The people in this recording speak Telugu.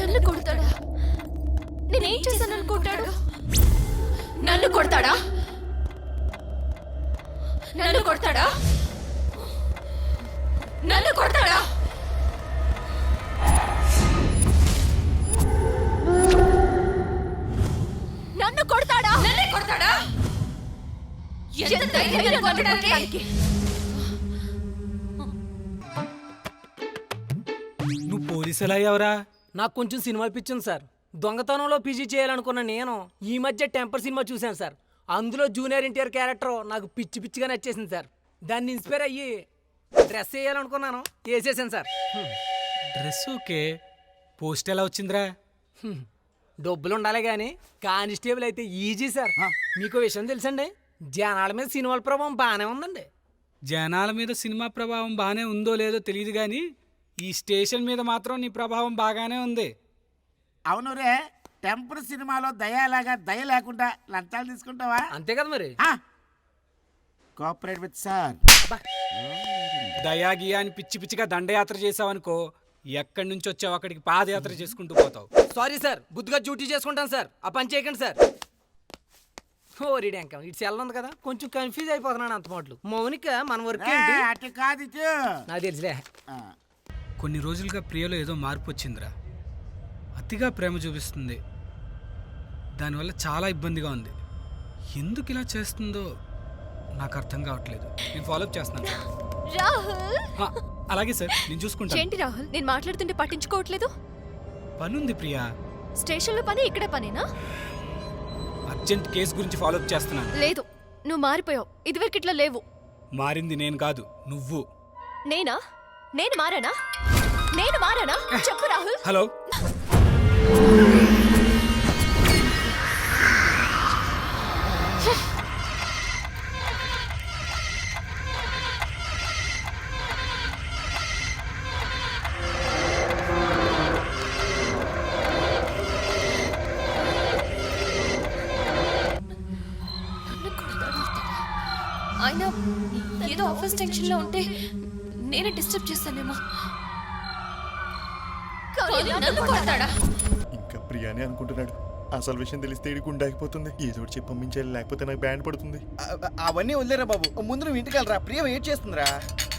నన్ను కొడతాడా? నేనేం చేశాను అనుకుంటాడు? నన్ను కొడతాడా? నన్ను కొడతాడా? నన్ను కొడతాడా? నన్ను కొడతాడా? నన్నే కొడతాడా? ఎంత ధైర్యం నన్ను కొట్టడానికి? నువ్వు పోలీసులు అయ్యావురా? నాకు కొంచెం సినిమా పిచ్చింది సార్. దొంగతనంలో పీజీ చేయాలనుకున్న నేను ఈ మధ్య టెంపర్ సినిమా చూశాను సార్. అందులో జూనియర్ ఎన్టీఆర్ క్యారెక్టర్ నాకు పిచ్చి పిచ్చిగా నచ్చేసింది సార్. దాన్ని ఇన్స్పైర్ అయ్యి డ్రెస్ వేయాలనుకున్నాను, వేసేసాను సార్. డ్రెస్ ఓకే, పోస్ట్ ఎలా వచ్చిందిరా? డబ్బులు ఉండాలి కానీ కానిస్టేబుల్ అయితే ఈజీ సార్. మీకు విషయం తెలుసండి, జనాల మీద సినిమాల ప్రభావం బాగానే ఉందండి. జనాల మీద సినిమా ప్రభావం బాగానే ఉందో లేదో తెలియదు కానీ ఈ స్టేషన్ మీద మాత్రం నీ ప్రభావం బాగానే ఉంది. అవును రే, టెంపర్ సినిమాలో దయలాగా దయ లేకుండా లంచాలు తీసుకుంటావా? అంతే కదా మరి. Cooperate with sir. దయాగియా అని పిచ్చి పిచ్చిగా దండయాత్ర చేసావనుకో, ఎక్కడి నుంచి వచ్చావు అక్కడికి పాదయాత్ర చేసుకుంటూ పోతావు. సారీ సార్, బుద్ధిగా డ్యూటీ చేసుకుంటాను సార్. ఆ పని చేయకండి సార్. ఓ రీడ్యాంకం ఇటు సెల్ ఉంది కదా, కొంచెం కన్ఫ్యూజ్ అయిపోతున్నాను అంత మాటలు. మౌనిక మన వర్క్ ఏంటి? అటు కాదు ఇటు. నాకు తెలుసులే. కొన్ని రోజులుగా ప్రియలో ఏదో మార్పు వచ్చిందిరా. అతిగా ప్రేమ చూపిస్తుంది, దానివల్ల చాలా ఇబ్బందిగా ఉంది. ఎందుకు ఇలా చేస్తుందో నాకు అర్థం కావట్లేదు. నేను ఫాలోఅప్ చేస్తున్నాను. రాహుల్. అలాగే సార్, నేను చూసుకుంటాను. ఏంటి రాహుల్, నేను మాట్లాడుతుంటే పట్టించుకోవట్లేదు? పనుంది ప్రియా. స్టేషన్లో పని ఇక్కడే పనేనా? అర్జెంట్ కేసు గురించి ఫాలోఅప్ చేస్తున్నాను. లేదు, నువ్వు మారిపోయావు. ఇదివరకు ఇట్లా లేవు. మారింది నేను కాదు, నువ్వు. నేనా? నేను మారానా? నేను మారానా? చెప్పు రాహుల్. హలో, ఆయన ఏదో ఆఫీస్ టెన్షన్ లో ఉంటే నేనే డిస్టర్బ్ చేస్తానేమో. నన్ను కొడతాడా? ఇంకా ప్రియానే అనుకుంటున్నాడు. అసలు విషయం తెలిస్తే ఇడి గుండాకిపోతుంది. ఏదో ఒకటి చెప్పి పంపించాలి, లేకపోతే నాకు బ్యాండ్ పడుతుంది. అవన్నీ వదిలేరా బాబు, ముందు నువ్వు ఇంటికి వెళ్ళరా. ప్రియ వెయిట్ చేస్తుందిరా.